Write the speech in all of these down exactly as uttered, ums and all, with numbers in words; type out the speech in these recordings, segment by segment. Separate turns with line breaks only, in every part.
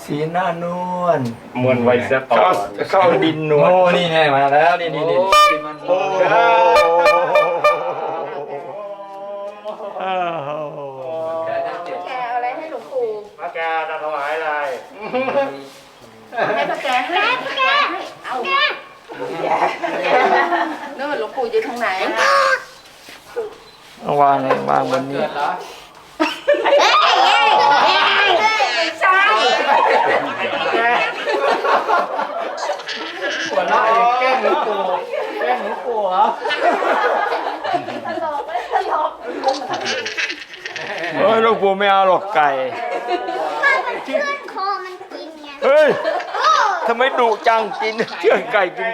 สีหน้านวล
มวนไว้ซะก่อ
เข้าน เข้าดินนวลโอ้นี่ไงมาแล้วนี่นี่นี่โอ้
แ
โห
แกเอาอะไรให้หลวงปู่
พระแกจะถวายอะไร
ให้พระแกให้พระแกเอานู่นหลวงปู่อยู่ทางไหน
เอาวางเลยวางบนนี้
ไม่ใช่
หัวเราะอย่างแกล้งหลวงปู่แกล้งหลวงปู่เหรอ
ตลกไม่ตลก
เฮ้ยหลวงปู่ไม่เอาหรอกไก่
มันเชื่อนคอมันกินไง
เฮ้ยทำไมดุจังกินเชื่อไก่กิน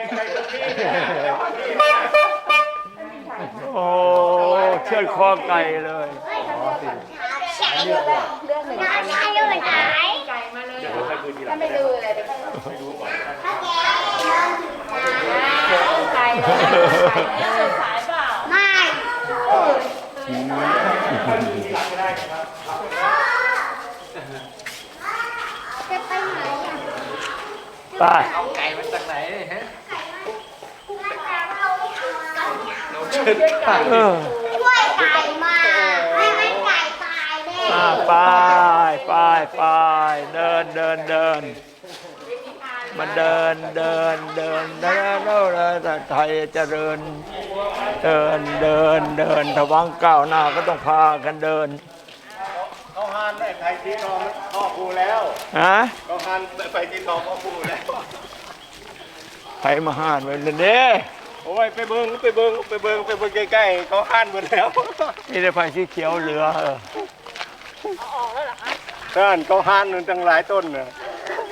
โอ้เชื่อคอไก่เลย
ใช่เลยเรื่องหนึ่งใช่เลยไหน
ไก่มาเลยถ้าไม่ดูเลยเดี๋ยวถ้าแกไก่เลยสายเปล่า
ไม่จะไปไหนอ่ะ
ไป
เอาไก่มาจากไหนฮะ
เออ
ช่วยไก่มาไม่ไม่ไก่ตายแน่
อ่าไปไปไปเดินเดินเดินมาเดินเดินเดินเดินเดินเดินไทยเจริญเดินเดินเดินถ้าหวังก้าวหน้าก็ต้องพากันเดิน
เขาหันไฟสีทองพ่อครูแล้ว
ฮะ
เขาหันไฟสีทองพ่อครูแล้ว
ใครมาห้านไว้เลยเด้
โอ้ยไปเบิ้งไปเบิ้งไปเบิ้งไปเบิ้งใกล้ๆเขาหันหมดแล้ว
นี่ได้ไฟสีเขียวเหลือเออ
ท่านเขาหันมันตั้งหลายต้นน่ะ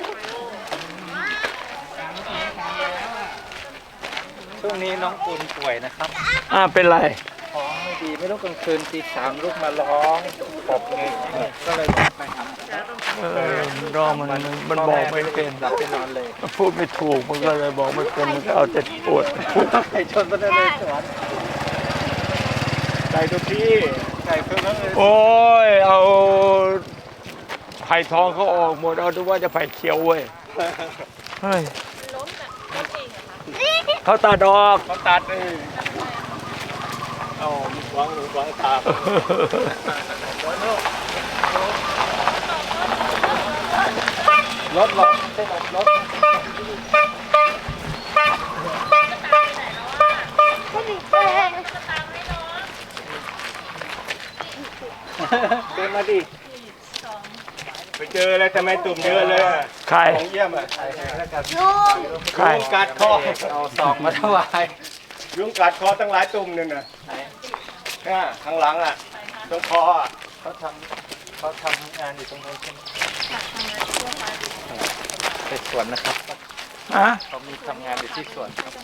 ช่วงนี้น้องปุณป่วยนะครับ
อ่าเป็นไร
ท้องไม่ดีไม่รู้กลางคืนตีสามลูกมาร้องปบเงยก็เลยต้องไปหาหมอ
เออรอมันมันบอกไม่เป็น
หลับไปนอนเลย
มันพูดไม่ถูกมันก็เลยบอกไม่เป็นมันก็เอาแต่ปวด
ไก่ชนต้นเลยสวน
ไก่ทุกที่ไก่เพิ่งเลย
โอ้ยเอาไผ่ทองเขาออกหมดเอาดูว่าจะไผ่เขียวเว้ยเฮ้ยเขาตาดอก
เขาตัดเลยเอามีหวังหรือหวังตามรถหลอกใช่ไหมรถ เดินมาดิไปเจอแล้วทำไมตุ่มเยอะเลยอะ
ใคร
ของเยี่ยมอ่ะ
ลุง
ใคร
ยุงกัดคอ
เอาซองมาถวาย
ยุงกัดคอตั้งหลายตุ่มนึงน่ะเนี่ยข้างหลังอ่ะตรงคออ่ะ
เขาทำเขาทำงานอยู่ตรงนู้นใช่ไหมไปสวนนะครับ
ฮะ
เขามีทำงานอยู่ที่สวนครับ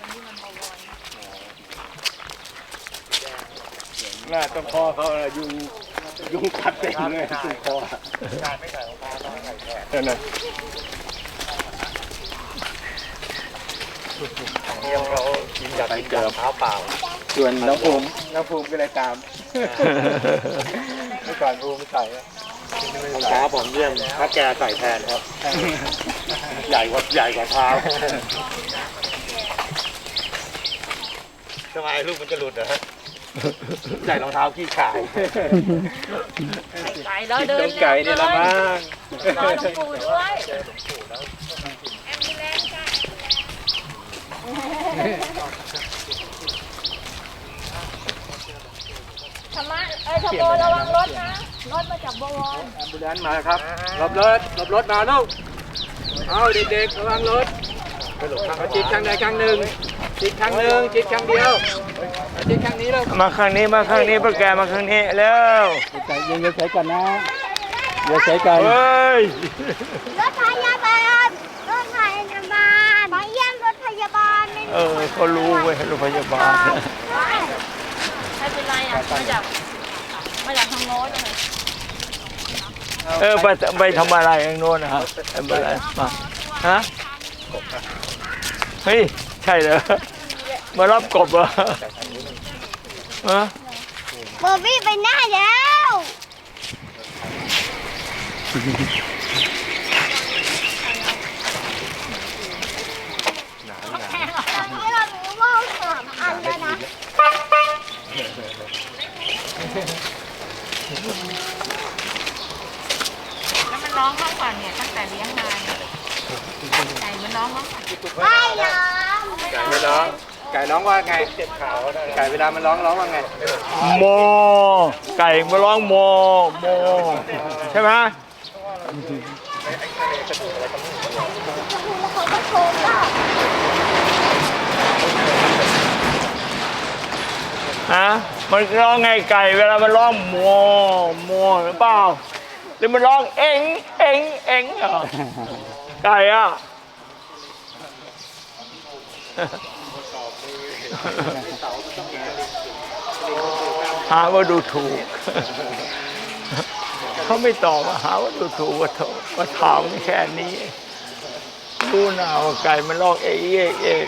หน้าตรงคอเขาอะยุงยุงกัดเต็มเลยตรงคออะนั่นน่ะ
เยี่ยมเขากินกับกินกับมะพร้าวเปล่า
ส่วนน้องภูมิ
น้ำภูมิก็เลยตามเมื่อก่อนภูมิใส่
รองเท้าผมเยี่ยมถ้าแกใส่แทนครับ ใหญ่กว่าใหญ่กว่าเท้าทำไมลูกมันจะหลุดเหรอฮะใส่รองเท้าขี้ขาย
ไก่แล้วเดิน
ไก่เนี่ยละมั้ง
รอหลวงปู่ด้วยธรรมะเอ้ยธรรมโมระวังรถนะ รถมาจากบวร
แอมบูเลนซ์มาครับหลบรถหลบรถมาลูกเอาเด็กๆระวังรถเอาจิตข้างใดข้างหนึ่งจิตข้างหนึ่งจิตข้างเดียวเอาจิตข้างนี้แล้ว
มาข้างนี้มาข้างนี้พวกแกมาข้างนี้แล้ว
ใจเย็นๆใส่กันนะอย่าใส่กัน
เฮ้ย
รถพยาบาลรถพยาบาลมาเยี่ยมรถพยาบาลไม่
เออเขารู้เว้ยโรงพยาบาล
ไม่เป็นไรอ่ะมาจากมาจากทางโน้นเลย
เออไปไปทำอะไรอย่างโน้นนะฮะทำอะไรมาฮะเฮ้ยใช่เหรอมารับกบเหรอฮะ
โบบี้ไปหน้าแล้ว
องก่อนเนี่ยตั้งแต่เลี้ยงมาเนี่ยไก่มันร้องร้องก่อน
ไม่ยอม
ไก่ไม่ร้อง ไก่ร้องว่าไง ไก่เวลามันร้องร้องว่าไง
โมไก่มาร้องโมโมใช่ไหม
แล้วเขาก็โทรว่า
ฮะมันร้องไงไก่เวลามันร้องโมโมหรือเปล่าหรือมันร้องเอ็งเอ็งเอ็งเหรอไก่อะหาว่าดูถูกเขาไม่ตอบหาว่าดูถูกว่าโถว่าถามแค่นี้รู้หนาว่าไก่มันร้องเอ๊ะเอ๊ะเอ๊ะ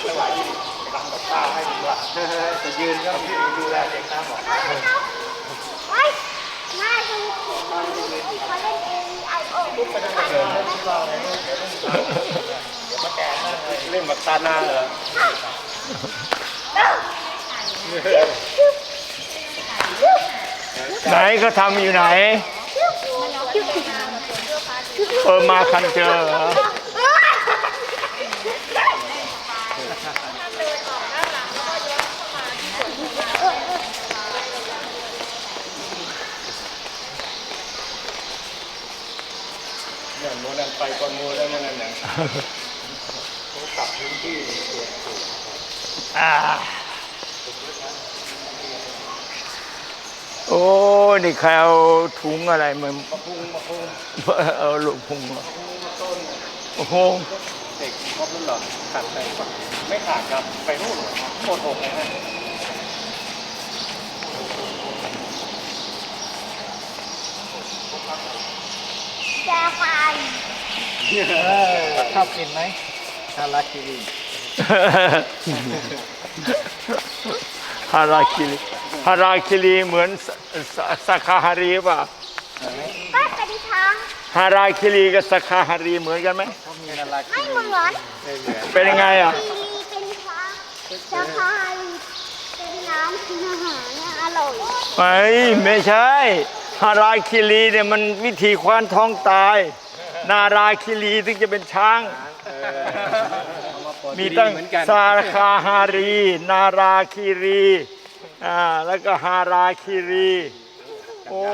จะยืนก็ดูแลเด็กนะบอก
ไว้มาดูเขาเล่นเองไอโอ
เล่นแบบตาหน้าเหรอ
ไหนเขาทำอยู่ไหนเออมาคันเจอเหรอ
เนี่ยโมนันไปก่อนโมแล้วนั่นน่ะเขากลับพื้นที่
อ่าโอ้นี่ใครเอาถุงอะไรมา
มาพุงมาพุง
เอาลูกพุงเหรอโอ้โห
เด็กครบแล้วเหรอขาดไปปะไม่ขาดครับไปนู่นเหรอหมดหกเลยฮะ
แจฟัน
ชอบกินไหมฮาราคิริ
ฮาราคิรีฮาราคิรีเหมือนสักขาฮารีป่ะ
ก็กระดิทาง
ฮาราคิรีกับสักขาฮารีเหมือนกันไหม
เขามีฮาราคิ
ไม่เหมือน
ไม่เหมือน
เป็นยังไงอ่ะ
ทีเป็นฟ้าจะพายเป็นน้ำกินอาหารเนี่ยอร่อย
ไม่ไม่ใช่ฮาราคิรีเนี่ยมันวิธีควานท้องตาย นาราคิรีถึงจะเป็นช้าง มีตั้ง
เหมือนกัน
สาคาฮารี นาราคิรีอ่าแล้วก็ฮาราคิรีโอ้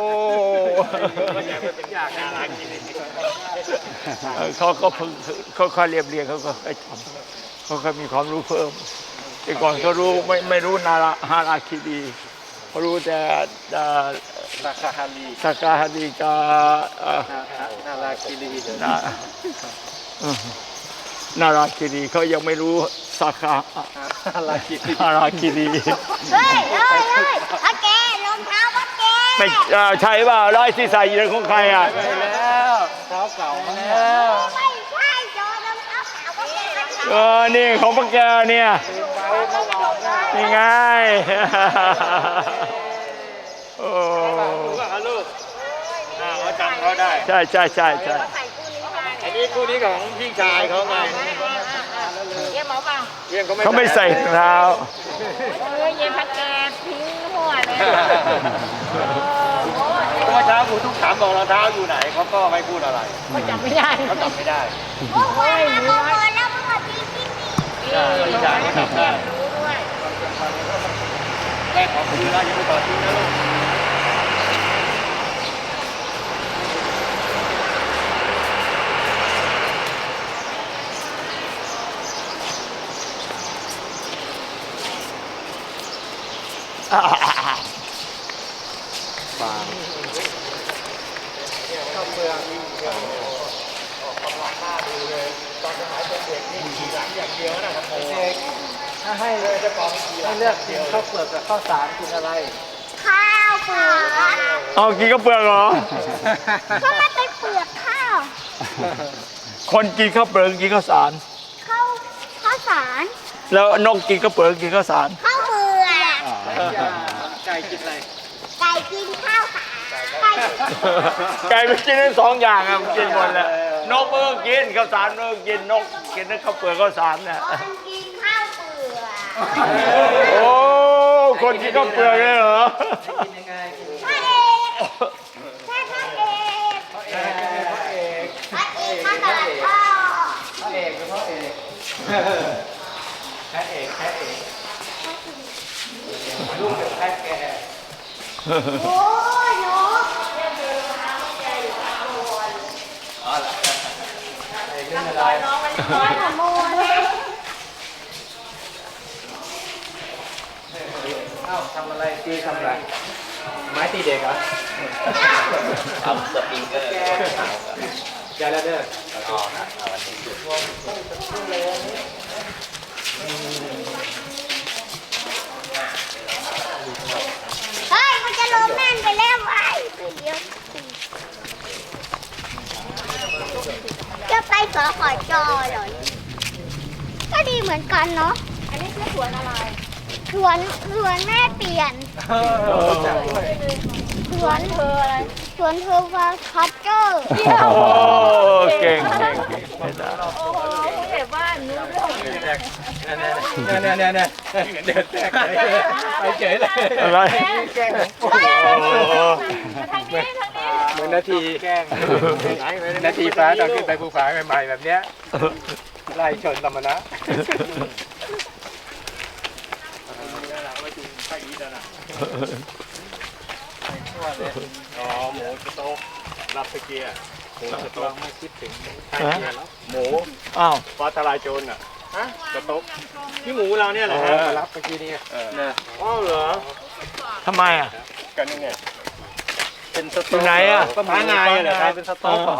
เออเขาก็เพิ่งเขาเขาเรียบเรียงเขาก็ให้ทำเขาก็มีความรู้เพิ่มแต่ก่อนเขารู้ไม่ไม่รู้นาราฮาราคิรีเขารู้แต่เอ่อ
ราคาฮารี
สากาฮารีกับเอ่อ
นาราคิรี
นาเออนาราคิรีเขายังไม่รู้สาขา
ฮาราคิรี
ฮาราคิรี
เฮ้ยเฮ้ยเฮ้ยพ่อแกรองเท้าพ่อแก
ไม่เอ่อใช่เปล่าร้อยที่ใส่อยู่ในของใครอ่ะ
ไปแล้วเท้าเก่าแล้ว
ไม่ใช่โจรองเท้าขาวพ่อแกมัน
เออนี่ของพวกแกเนี่ยนี่ไงโอ้
ถูกป่ะครับลูกอ่าเขาจำเขาได้
ใช่ใช่ใช่ใช่
อันนี้คู่นี้ของพี่ชายเขาไง
เยี่ยมหมอเปล่า
เยี่ยมเขาไม่
เขาไม่ใส่รองเท้า
เออเย็นพัดแกทิ้งหัวเลยโอ้ย
เมื่อเช้าครูทุกถามบอกรองเท้าอยู่ไหนเขาก็ไม่พูดอะไร
เขาจำไม่ได้
เขาจำไม่ได้
โอ้โหแล้วโมโหแล้วโมโหจริงจริง
พี่ชายเขาจำได้
รู้ด้วย
แม่ขอคืนแล้วยังไม่ต่อทิ้งนะลูก
ถ้าให้ให้เลือกกินข้าวเปลือกกับข้าวสารกินอะไร
ข้าวเปลือก
เอากินข้าวเปลือกเหรอ
ก็มันเป็นเปลือกข้าว
คนกินข้าวเปลือกกินข้าวสาร
ข้าวข้าวสาร
แล้วนกกินข้าวเปลือกกินข้าวสาร
ข้าวเปลือก
ไก่กินอะไร
ไก่กินข้าวสารไก่
ไก่ไปกินทั้งสองอย่างอ่ะมันกินหมดแหละนกมันก็กินข้าวสารมันก็กินนกกินทั้งข้าวเปลือกข้าวสารเนี่ย
คนกินข้าวเปลือก
โอ้คนกินข้าวเปลือกเลยเหรอ
กินยังไงกิน
พระเอกแค่พระเอก
เองแค่เอกแค่เอกลูกกับแค่แก
โอ้ยหนู
อ๋อเหรอไอ้เรื่องอะไร
น้องมันน้อย
ขโมย
เอ้าทำอะไรตีทำอะไรไม้ตีเด็กเหรอทำสปริงเกอร์แกแล้วเด้ออ๋อนะเอาวันนี้
เฮ้ยมันจะลงแม่นไปแล้วไอ้ไปเดี๋ยวจะไปสขอจอเหรอก็ดีเหมือนกันเนาะ
อันนี้คือสวนอะไร
สวนสวนแม่เปลี่ยน
เออจับด้วย
สวนเธออะไรสวนเธอฟาคัตเจอร์
โอ้เก่งเก่งเก่งไม่ได้
โอ้โหผู้ใหญ่บ้านรู้เรื่อง
เนี่ยเนี่ยเนี่ยเนี่ยเดินแตกเลยไปเฉยเลย
อะไร
แกล้ง
โอ้โห
ทางนี้ทางนี้
เหมือนนาทีแกล้งนาทีฟ้าตอนขึ้นไปภูฟ้าใหม่ๆแบบเนี้ยไล่ชนตมนะ
อ๋อหมูสโต๊กรับสเกียร์หมูสโต๊ก
ไม่คิดถึง
หมู
อ้าว
ฟ้าทลายโจรอ่ะฮะสโต๊กนี่หมูเราเนี่ยเหรอ
เอ
ฮะ
อรับเมื่อกี้นี่
เนี่ยอ๋อเหรอ
ทำไมอ่ะ
กันนี่ไง
เป็นส
อ
โต๊
ยู่
ก
ไหนอ่ะ
ก็มีงานเหรอครับเป็นสโต๊กเหรอ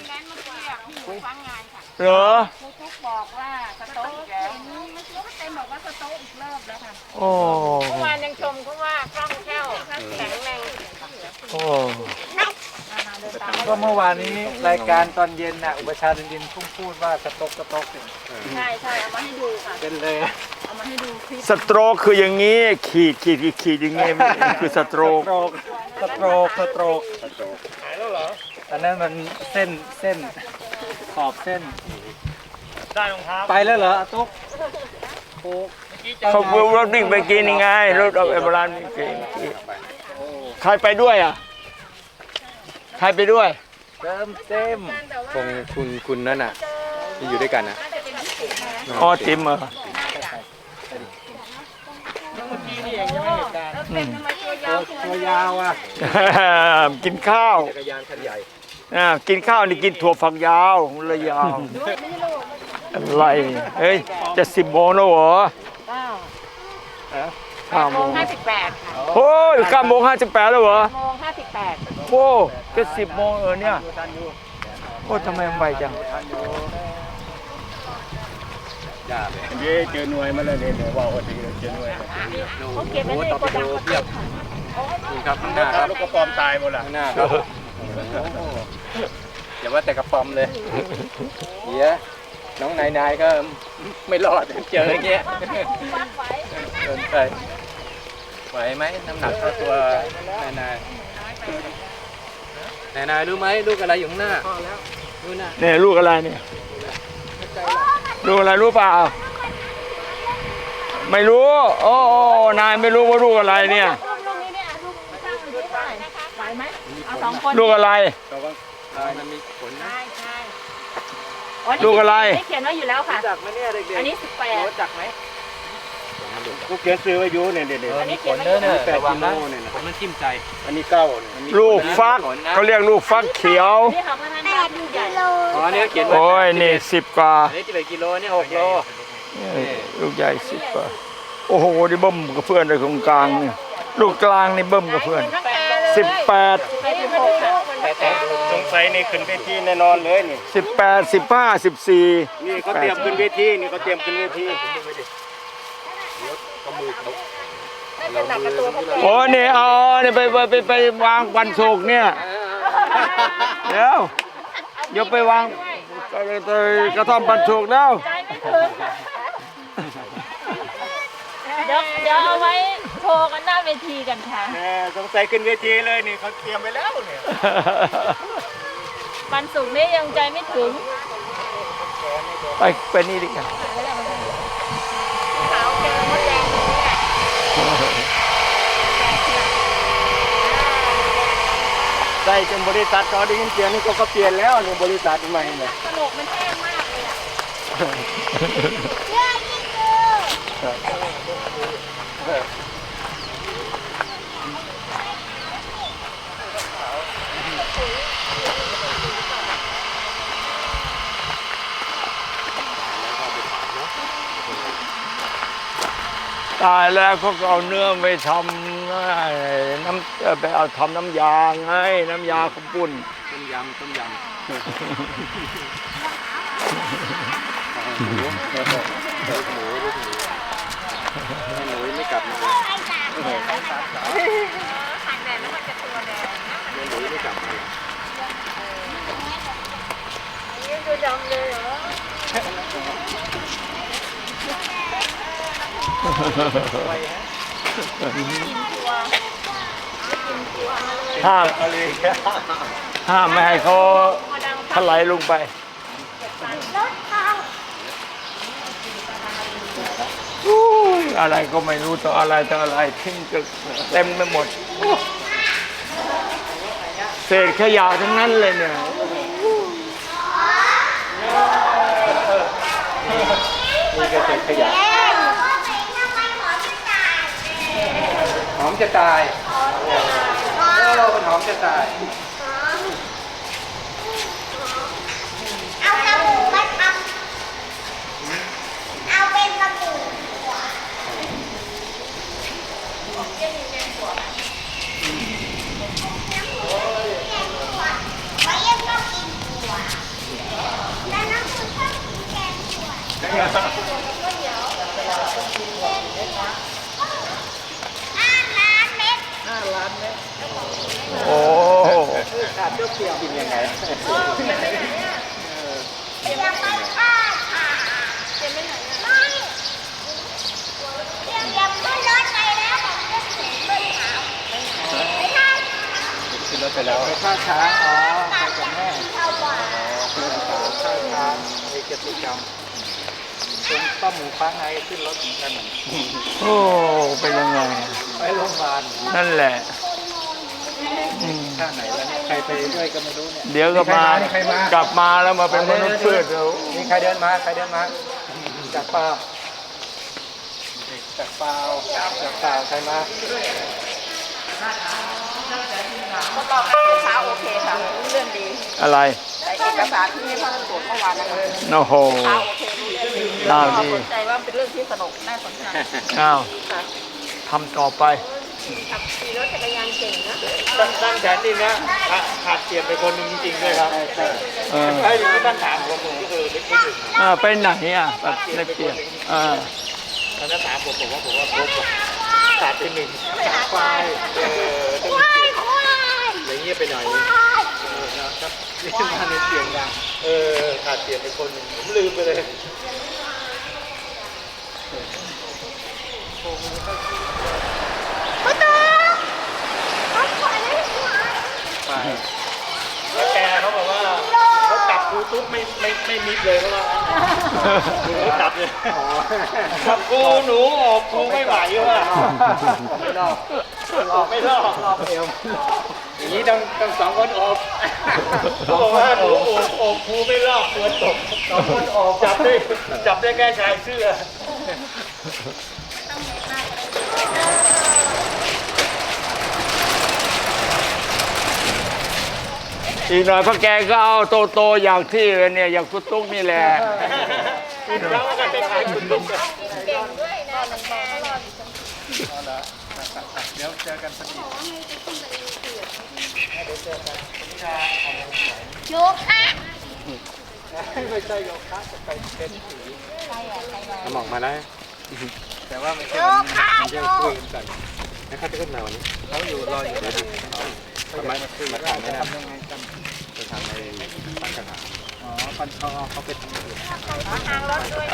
เหรอ
ครูทุกบอกว่าสโต๊ะอีกแล้วไม่รู้ว่าเต็มบอกว่าสโต๊ะอีกรอบแล้วค่ะ
โอ้
เมื่อวานยังชมเขาว่าคล่องแคล่วแข็งแรง
โอ้
ก็เมื่อวานนี้รายการตอนเย็นน่ะอุปชาดินดินพุ่งพูดว่าสโต๊กสโต๊กเนี่ย
ใช่ใช่เอามาให้ดูค่ะ
เป็นเลย
เอามาให้ดูคลิป
สโตรกคืออย่างนี้ ขีดขีดขีดขีดอย่างงี้คือสโตรก
สโตรกสโตรกสโตรกหายแล้วเหรออันนั้นมันเส้นเส้นขอบเส้น
ได้รองเท้า
ไปแล้วเหรออาตุ๊กโอ้
เขาเพิ่งรถวิ่งไปกินยังไงรถเอาไปโบราณวิ่งไปกินใครไปด้วยอ่ะใครไปด้วย
เติมเต็ม
คงคุณคุณนั่นน่ะที่อยู่ด้วยกันนะ
น่าจะเป็นพิเศษนะ
อ๋อติมเหรอ
แล้วเป็นทำไมตัวยาว
ตัวยาวอ่ะ
กินข้าว
จักรยานคันใหญ่
อ่ากินข้าวนี่กินถั่วฝักยาวเลยยาวอะไรเฮ้ยจะสิบโมงแล้วเหรอห้าโม
โม
ง
งห้าสิบแปดค่ะ
โอ้ยเก้าโมงห้าสิบแปดแล้วเหรอ
โมงห้าสิบแปด
โอ้จะสิบโมงเออเนี่ยโอ้ทำไมมันไวจัง
ย่าเลย
เย้เจอหน่วยมาเลยเนี่ยเดี๋ยวว่าโอ้ดีเลยเจอหน่วย
เขาเก็บไว้ในโกดังเขาเก็บค่ะ
นี่ครับข้างห
ถ้า
น้าครับ
ลูกกระปอมตายหมดละ
ข้างหน้าครับอย่าว่าแต่กระป๋อมเลยเดี๋ยวน้องนายนายก็ไม่รอดเจออย่างเงี้ย
วัดไว้
เดินไปไหวไหมน้ำหนักเท่าตัวนายนายนายนายรู้ไหมลูกอะไรอยู่ข้างหน้ารู้นะ
เนี่ยลูกอะไรเนี่ยลูกอะไรรู้เปล่าไม่รู้โอ้โอ้นายไม่รู้ว่าลูกอะไรเนี่ย
ลูกลูกนี้เนี่ยลูกสร้างอยู่ที่เท่าไหร่นะคะไหวไหมเอาสองคน
ลูกอะไร
เราก็มันมีผลนะ
ใช่ใช่อ๋อนี่
ลูกอะไร
นี่เขียนไว้อยู่แล้วค่ะ
จักไหมเนี่ยเด็ก
อันนี้สิบแปด
รู้จักไหม
กูเขียนซื้อไว้อยู่เนี่ยเด็ด
อันนี้เขียนไว้อยู่
แปดกิโลเนี่ยนะ
ผมมันจิ้มใจ
อันนี้เก้าเนี่ย
ลูกฟักเขาเรียกลูกฟักเขียว
นี่ของท่าน
แป
บ้าน
ด
ลูก
กิ
ใหญ่
โล
อ๋อเนี่ยเขียนไว้
โอ้ยนี่สิบกว่า
อันนี้กี่กิโลเนี่ยหกโล
ลูกใหญ่สิบกว่าโอ้โหนี่เบิ้มกับเพื่อนเลยตรงกลางนี่ลูกกลางนี่เบิ้มกับเพื่อน
ทั้งแปด
สิบแปด
ไปสิบหกค่ะ
แต่แต่
สงสัยนี่ขึ้นเวทีแน่นอนเลยนี่
สิบแปดสิบห้าสิบสี่
นี่เขาเตรียมขึ้นเวทีนี่เขาเตรียมขึ้นเวที
น่าจะหนักกระตัวเขาแก่
โอ้นี่เอาเนี่ยไปไปไปไปวางวันศุกร์เนี่ยเดี๋ยวเดี๋ยวไปวางกระท่อมวันศุกร์แล้ว
ใจไม่ถึงเดี๋ยวเดี๋ยวเอาไว้โชว์กันหน้าเวทีกันค่ะ
แหมสงสัยขึ้นเวทีเลยนี่เขาเตรียมไปแล้วเนี่ย
วันศุกร์นี้ยังใจไม่ถึง
ไปไปนี่ดิค่ะ
ขาวเจอมดแดงตรงนี้แหละ
ใส่จนบริษัทเขาได้ยินเสียงนี่เขาก็เปลี่ยนแล้วนี่บริษัทใหม่เนี่ย
กระโหลกมันแห้งมากเลยอ่ะ
เยอะยิ่งดู
ตายแล้วเขาก็เอาเนื้อไปทำน้ำไปเอาทำน้ำยาไงน้ำยาข้าวปุ้น
ต้มยำต้มยำหมูลูกหมูลูกหมูแม่หนูไม่กลับมา
หันแดดแล้วมันจะตัวแดง
แม่หนูไม่กลับมา
นี่คือดำเลยเหรอ
ห้ามห้ามไม่ให้เขาถลายลงไป
รถเขา
อู้ยอะไรก็ไม่รู้ต่ออะไรต่ออะไรทิ้งกันเต็มไปหมด เศษขยะทั้งนั้นเลยเนี่ย
นี่ก็เศษขยะ
เอ๊ะทำไมหอมจะตาย
หอมจะตายโอ้มันหอมจะตาย
เอาสบู่มาทำเอาเป็นสบู่ไว้ยังชอบกินถั่วแล้วน้องคุณชอบกินแกงถั่วห้าล้านเม็ด
โอ้
ขาดเปรี้ยวๆกินยังไง
ยังไม่พลาดค่ะไม่เดี๋ยวยังขึ้นรถไปแล้วผมจะเสียเงินหาไม่ได้
ขึ้นรถไปแล้วไปท่าช้างอ๋อไปกับแม่
เท่าบ่า
อ๋อขึ้นรถท่าช้างไปกิจกรรมเป็นป้าหมูฟ้าไงขึ้นรถเหมือนกัน
โอ้เป็นยังไง
ไปโรงพยาบาล
นั่นแหละอืม
ท่าไหนแล้วเนี่ยใครไปด้วยก็ไม่รู้เนี่ย
เดี๋ยวก็มา
ใครมาก
ลับมาแล้วมาเป็นมนุษย์พืชแล้ว
มีใครเดินมาใครเดินมาจากเปล่าจากเปล่าจากเปล่าใครมา
ทดลองกันเช้าโอเคค่ะเรื่องดี
อะไร
แต่เอกสารที่พ่อตรวจเมื่อวานนะคะ
โอ้โห
เช้าโอเครู้เรื่องดี
น่า
พ่อ
ดี
สนใจว่าเป็นเรื่องที่สนุกน่าสนใจ
อ้าว
ค่ะ
ทำต่อไป
ขับขี่รถจักรยานเก่งนะ
ตั้งแขนนี่นะขาดเกียรติไปคนหนึ่งจริงๆด้วยครับ
เออ
ไอ้ที่ตั้งถามผมผมก็คือเล็กนิดหนึ่ง
อ่าไปไหนอ่ะแบบได้เปรียบอ่า
ตอนนั้นถามผมผมว่าผมว่าผมขาดไปหนึ่งขาดไปเออต้อง
ควายควาย
อย่างเงี้ยไปหน่อย
ควาย
เออนะครับนี่มาในเสียงดังเออขาดเกียรติไปคนหนึ่งผมลืมไปเลย
ประตูรถขวาเลยขวา
แล้วแกเขาบอกว่าเขาจับครูตุ๊กไม่ไม่ไม่มิดเลยเขาว่าเขาจับเลยจับครูหนูออกครูไม่ไหวว่ะไม่รอบออกไม่รอบรอบเอวอย่างนี้ต้องต้องสองคนออกเขาบอกว่าหนูออกออกครูไม่รอบตัวตกสองคนออกจับได้จับได้แค่ชายเสื้อ
อีกหน่อยพ่อแกก็เอาโตโตๆอย่างที่เนี่ยอย่างคุณตุ๊กนี่แหละ
แล้วก็ไปขายคุณตุ๊ก
เก่งด้วยนะหนึ่งบอกตลอด
เดี๋ยวเจอกันสักที
โยคะ
ไม่ใช่โยคะจะไปเป็นสีสมองมาแล้วแต่ว่าไม่ใช่
โยคะโย
คุยกันนะครับจะขึ้นมาวันนี้เขาอยู่รออยู่เลยทำไมมาขึ้นมาถ่ายไม่ได้ทำยังไงกันไปทำในปัญหาอ๋อปัญชอเขาไปทำอยู่
ทางรถด้วย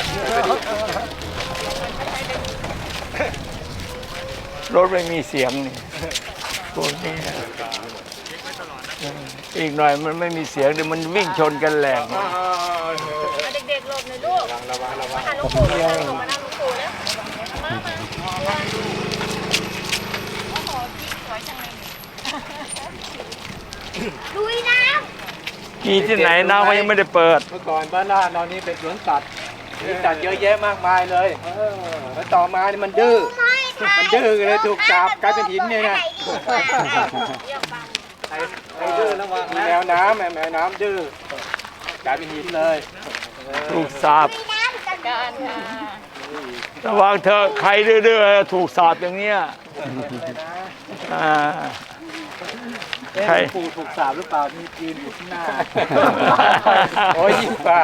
รถไม่มีเสียงนี่พวกนี้นะเอออีกหน่อยมันไม่มีเสียงเดี๋ยวมันวิ่งชนกันแหลก
เด็กๆหลบหน่อยลูก
ระวังระวังระวัง
หันลูกปู่เลยลงมานั่งลูกปู่แล้วมามาโอ้โหสวยจังเลย
ลุยน้
มีที่ไหนน้ำเขายังไม่ได้เปิด
เมื่อก่อนบ้านหน้านอนนี้เป็นสวนสัตว์
มีสัตว์เยอะแยะมากมายเลยแล้วต่อมานี่มันดื้อมันดื้อเลยถูกจับกลายเป็นหินเนี่ยนะไอ้ดื้อระวังนะแมวน้ำแมวน้ำดื้อกลายเป็นหินเลย
ถูกสาบ
การค่ะ
ระวังเธอใครดื้อๆถูกสาบอย่างเนี้ยอ่าใคร
ปู่ถูกสาบหรือเปล่าที่ยืนอยู่ข้างหน้าโอ้ยยิ่งกว่า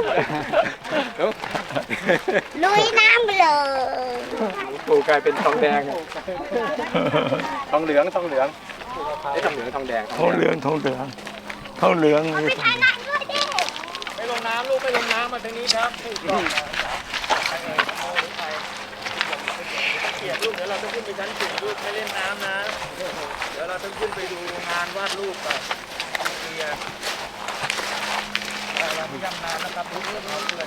ลุยน้ำไปเลย
ปู่กลายเป็นทองแดงทองเหลืองทองเหลืองไอ้ทองเหลืองทองแดง
ทองเหลืองทองเหลืองทองเหลือง
ไปถ่ายหนังด้วยดิ
ไปลงน้ำลูกไปลงน้ำมาทางนี้ครับถูกต้องเกียรลูกเดี๋ยวเราต้องขึ้นไปชั้นสี่ลูกไม่เล่นน้ำนะเดี๋ยวเราต้องขึ้นไปดูงานวาดรูปก่อนเคลียร์เราไม่ยำน้ำนะครับลูกเพื่อนเราเพื่อน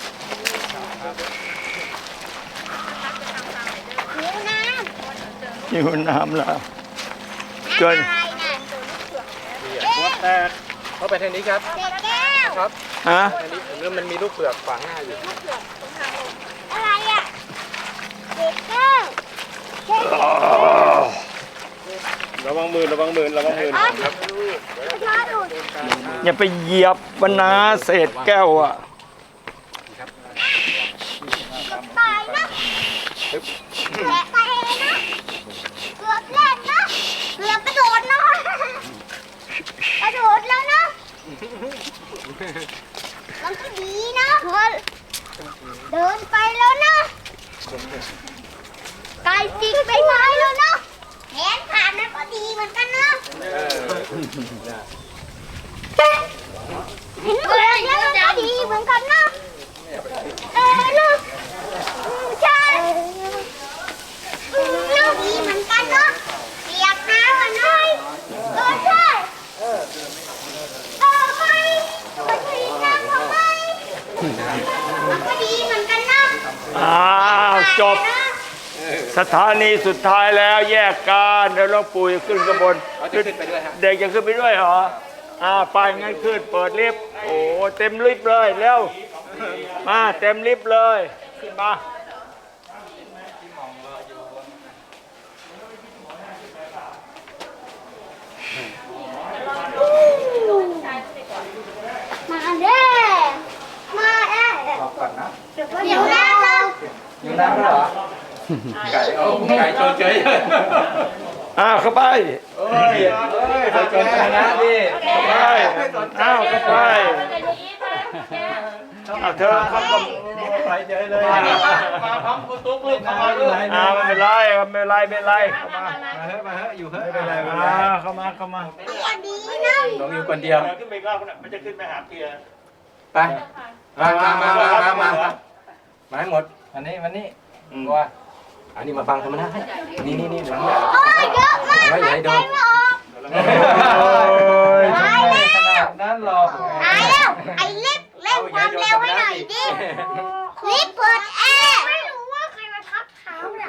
หิวน้
อยู่น้ำแล้ว
ำ
เกิน
อะไรน่ะ
หัวแตกเข้าไปทางนี้ครับ
เด็กแก้ว
ครับ
ฮะ
ทางนี้เริ่มมันมีลูกเปลือกฝังหน้าอยู่
อะไรอ่ะเด็กแก้วเด็กแก้ว
ระวังมือระวังมือระวังมือ
อ๋อ
ครับ
ชอบดู
อย่าไปเหยียบบรรณาเศษแก้วอ่ะ
ตายนะแตะไปเองนะเกือบเล่นนะเกือบกระโดดนะกระโดดแล้วนะมันก็ดีนะเดินไปแล้วนะไกลจริงไปไม้แล้วนะแขนขาดนั่นก็ดีเหมือนกันนะเห็นเปลือกแล้วมันก็ดีเหมือนกันนะเออนะใช่น่าดีเหมือนกันนะเปียกน้ำอ่ะนะเออใช่เออไม่ก็ดีน้ำทำไมมันก็ดีเหมือนกันนะ
อ้าวจบสถานีสุดท้ายแล้วแยกกันเดี๋ยวหลวงปู่จะขึ้นข้างบน
เขาจะขึ้นไปด้วยฮะ
เด็กจะขึ้นไปด้วยเหรออ่าไปงั้นขึ้นเปิดลิฟต์โอ้เต็มลิฟต์เลยเร็วมาเต็มลิฟต์เลยขึ้นมา
มาเด้มาเด้
รอก่อนนะ
เดี๋ยวนะเรา
อยู่น้ำแล้วเหรอไก่เอาไก่โจนเฉย
อ่าเข้าไป
โอ้ยเอ้ยโจนเฉยนะดิ
เข้าไปอ้าวเข้าไปเอาเธอเข้ามา
ไปเฉยเลย
มาพร้อมคุณตุ๊กลูกเข้ามาลูก
อ่าไม่เป็นไรไม่เป็นไรไม่เป็นไรเข้ามา
มาเฮ้ยมาเฮ้ยอยู่เฮ้ยไม่เป็นไร
อ่าเข้ามาเข้ามา
อย่าดีนะ
ลงอยู่คนเดียว
ขึ้นไปอีกรอบนะมันจะขึ้นไปหาเพีย
ไปมามามามามามามาให้หมดอันนี้วันนี้ว่าอันนี้มาฟังธรรมะนี่นี่นี่หลังเนี่ย
โอ้ยเยอะมาก
ไม่ใหญ่โดน
ไม่ออก
โอ้ย
ตายแล้ว
ขนาดนั้นหรอก
ตายแล้วไอ้ลิฟต์เร่งความเร็วให้หน่อยดิลิฟต์เปิดแอร์ไม่รู้ว่าใครมาทับเท้าเรา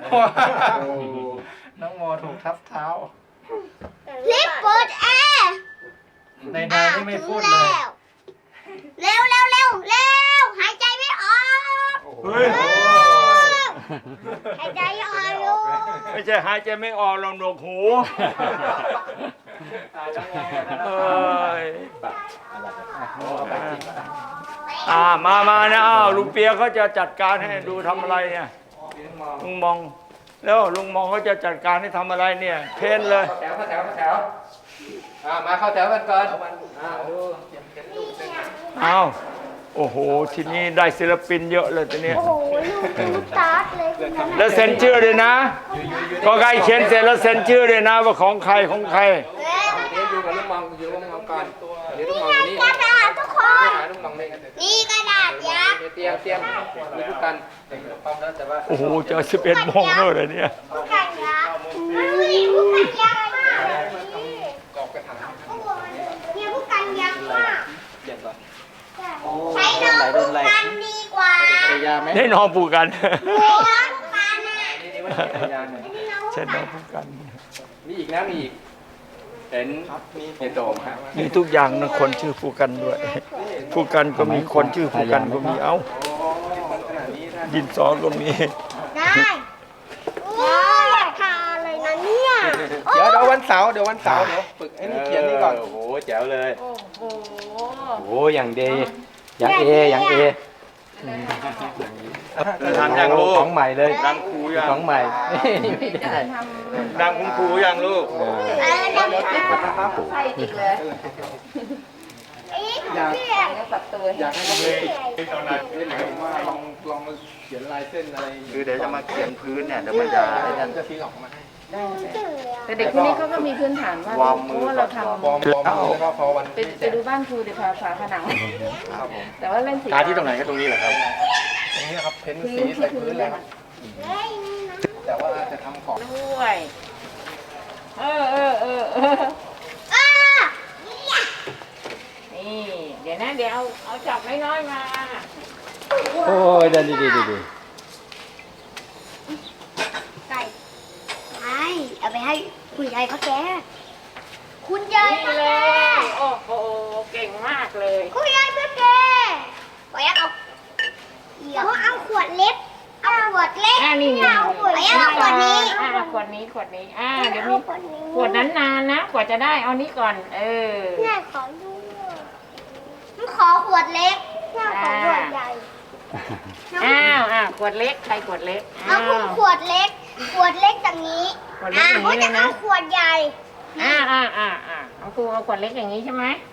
น้องโมถูกทับเท้า
ลิฟต์เปิดแอร์
ในนายที่ไม่พูดเลย
เร็วเร็วเร็วเร็วหายใจไม่ออก
เฮ้ย
หายใจไม่ออกอยู่
ไม่ใช่หายใจไม่ออกลองหนวกหูเอ้ยอ่ามามานะอ้าวลุงเปียเขาจะจัดการให้ดูทำอะไรเนี่ยลุงมองแล้วลุงมองเขาจะจัดการให้ทำอะไรเนี่ย เพ้นเลย
แถวเข้าแถวเข้าแถวอ่ามาเข้าแถวกันก่อนอ่าดู
อ้าวโอ้โหทีนี้ได้ศิลปินเยอะเลยทีนี้
โอ้โหลูกลูกตาร์ทเลยคุณนะ
แล้วเซ็นชื่อด้วยนะก็ใครเขียนเสร็จแล้วเซ็นชื่อด้วยนะว่าของใครของใคร
เดี๋ยวอยู่กับลูกมองอยู่กับลูกมองก่อนเดี๋ยวลูกมองอยู่นี่
กระดาษทุกคน
หาลูกมองนี่
นี่กระดาษยักษ์
เตรียมเตรียมมีทุกกันพร้อมแล้วแต่ว่า
โอ้โหเจอสิบเอ็ดโมงแล้วเลยเนี่ย
ผู้กันยักษ์นี่ผู้กันยักษ์มาก
กรอบกระถาง
เนี่ยผู้กันยักษ์มาก
เย็นก่อน
ใช้น้องผู้กันดีกว่า
ยาไหม
ได้นอนปูกัน
น้องผู้กันน่ะ
นี่นี่มันยาหน่อย
ใช่นอนปูกัน
มีอีกนะมีอีกเห็นมีเห็นโดมครับ
มีทุกอย่างนะคนชื่อปูกันด้วยปูกันก็มีคนชื่อปูกันก็มีเอ้า
โอ้
ดินสอก็มี
ได้โอ้ยอยากทานเลยนะเนี่ย
เดี๋ยวเดี๋ยววันเสาร์เดี๋ยววันเสาร์เดี๋ยวฝึกไอ้นี่เขียนนี่ก่อน
โอ้โหแจ๋วเลย
โอ้โห
โอ้โหอย่างดีอย่างเออย่างเอ
จะทำยังลูก
ของใหม่เลย
ดังครูยัง
ของใหม่นี่ไม่ได้
ทำ
ดังคุณครูยังลูก
เออ
เออเดี๋ยวเดี๋ยวเดี๋ยว
ใส่จริงเลย
อีกเดี๋ยว
แล้วปรับตัว
อยากให้เขาเล่นเล่นแบบว่าลองลองมาเขียนลายเส้นอะไร
คือเดี๋ยวจะมาเขียนพื้นเนี่ยเดี๋ยวมันจะ
ไอ้นั่นก็ทิ้งออกมาให้
แต่เด็กคนนี้เขาก็มีพื้นฐานว่า
วอร์มมื
เพ
อ
ราะว่าเราท
บอมบอมแล้วก็พอวัน
ำไปไปดูบ้านครูเดี๋ยวพาฝาผนัง
ครับผม
แต่ว่าเล่นสี
ตาที่ตรงไหนก็ตรงนี้แหละครับ
ตรงนี้ครับเพ้น
พื้น
สี
ที่
ใส่
พื้
พื้
น
น
เล
เลย ย
ค
ค
รั
รั
บบ
เฮ้ยนี่นะ
แต่ว่าจะทำของ
ด้วย เออเออเออเออ
อ้า
นี่เดี๋ยวนะเดี๋ยวเอาเอาจับน้อยๆมา
โอ้ยเดินดีดีดีดี
ไก่ไอ้เอาไปให้คุณยายเขาแกคุณยาย
นี่
เขา
เล
แก
ยโอ้โหเก่งมากเลย
คุณยายเขาแกขอยักเอาเขาเอาขวดเล็กเอาขวดเล็ก
อ่านี่นี่
เอาขวดเล็กเอาขวดนี้
อ่าขวดนี้ขวดนี้อ่าเดี๋ยว
เอา
มี
ขวดนี้
ขวดนั้นนานนะกว่าจะได้เอานี้ก่อน เออ
แม่ขอดูมันขอขวดเล็กแม่ขอขวดใหญ่
อ้าวอ้าวขวดเล็กใครขวดเล็ก
เอา
อ้าว
ขวดเล็ก ขวดเล็กอย่างนี้
ขวดเล็กอย่างนี้
เขา
เล
จะ
ยนะ
เอาขวดใหญ่
อ่าอ่าอ่าอ่าเอาครูเอาขวดเล็กอย่างนี้ใช่ไหม
ใ